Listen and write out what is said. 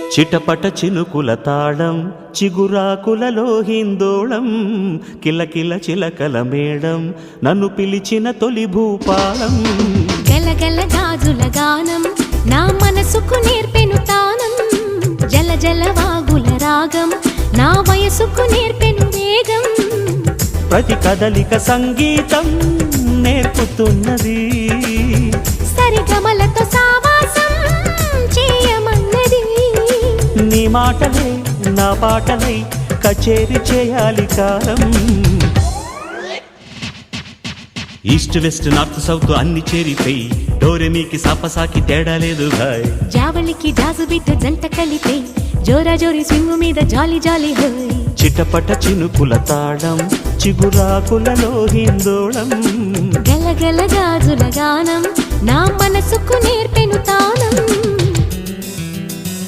చిటపట చినుకుల తాళం చిగురాకులలో హిందోళం కిలకిల చిలకల మేడం నన్ను పిలిచిన తొలి భూపాలం గలగల గాజుల గానం నా మనసుకు నేర్పెను తానం జల జల వాగుల రాగం నా వయసుకు నేర్పెను వేగం ప్రతి కదలిక సంగీతం నేర్పుతున్నది సరిగమలతో సావాసం చేయమన్నది నీ మాటలే నా పాటలై కచేరి చేయాలి కాలం ఈస్ట్ వెస్ట్ నార్త్ సౌత్ అన్ని చేరిపోయి డోరెమీకి సాపసాకి తేడా లేదు భాయ్ జావళికి జాజు బిడ్డ జంట కలిపే జోరా జోరి స్వింగు మీద జాలి జాలి హోయ్ చిటపట చినుకుల తాళం చిగురాకులలో హిందోళం గలగల గాజుల గానం నా మనసుకు నేర్పెను తానం